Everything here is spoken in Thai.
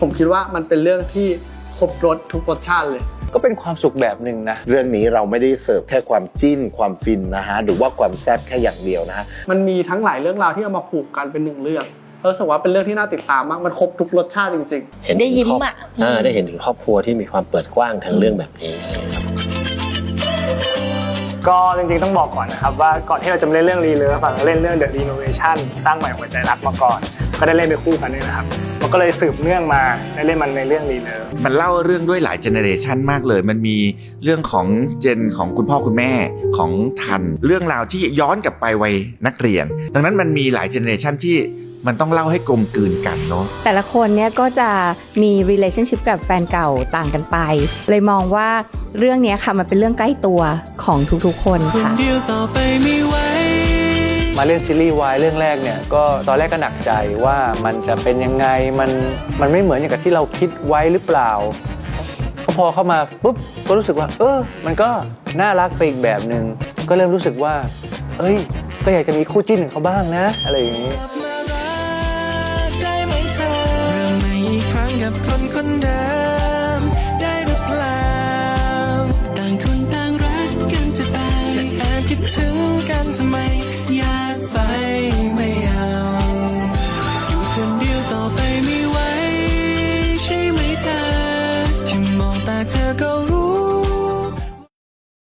ผมคิดว่ามันเป็นเรื่องที่ครบรสทุกรสชาติเลยก็เป็นความสุขแบบหนึ่งนะเรื่องนี้เราไม่ได้เสิร์ฟแค่ความจิ้นความฟินนะฮะหรือว่าความแซ่บแค่อย่างเดียวนะฮะมันมีทั้งหลายเรื่องราวที่เอามาผูกกันเป็นหนึ่งเรื่องรู้สึกว่าเป็นเรื่องที่น่าติดตามมากมันครบทุกรสชาติจริงๆได้ยิ้มอ่ะได้เห็นถึงครอบครัวที่มีความเปิดกว้างทางเรื่องแบบนี้ก็จริงๆต้องบอกก่อนนะครับว่าก่อนที่เราจะมาเล่นเรื่องรีเลิฟเล่นเรื่อง The Renovation สร้างใหม่หัวใจรักมาก่อนก็ได้เล่นไปคู่กันด้วยนะครับมันก็เลยสืบเนื่องมาได้เล่นมันในเรื่องรีเลิฟมันเล่าเรื่องด้วยหลายเจเนเรชันมากเลยมันมีเรื่องของเจนของคุณพ่อคุณแม่ของทันเรื่องราวที่ย้อนกลับไปวัยนักเรียนดังนั้นมันมีหลายเจเนเรชันที่มันต้องเล่าให้กลมกลืนกันเนาะแต่ละคนเนี่ยก็จะมี relationship กับแฟนเก่าต่างกันไปเลยมองว่าเรื่องนี้ค่ะมันเป็นเรื่องใกล้ตัวของทุกๆคนค่ะมาเล่นซีรีส์วายเรื่องแรกเนี่ยก็ตอนแรกก็หนักใจว่ามันจะเป็นยังไงมันไม่เหมือนอย่างกับที่เราคิดไว้หรือเปล่าก็พอเข้ามาปุ๊บก็รู้สึกว่ามันก็น่ารักไปอีกแบบนึงก็เริ่มรู้สึกว่าก็อยากจะมีคู่จิ้นของเขาบ้างนะอะไรอย่างนี้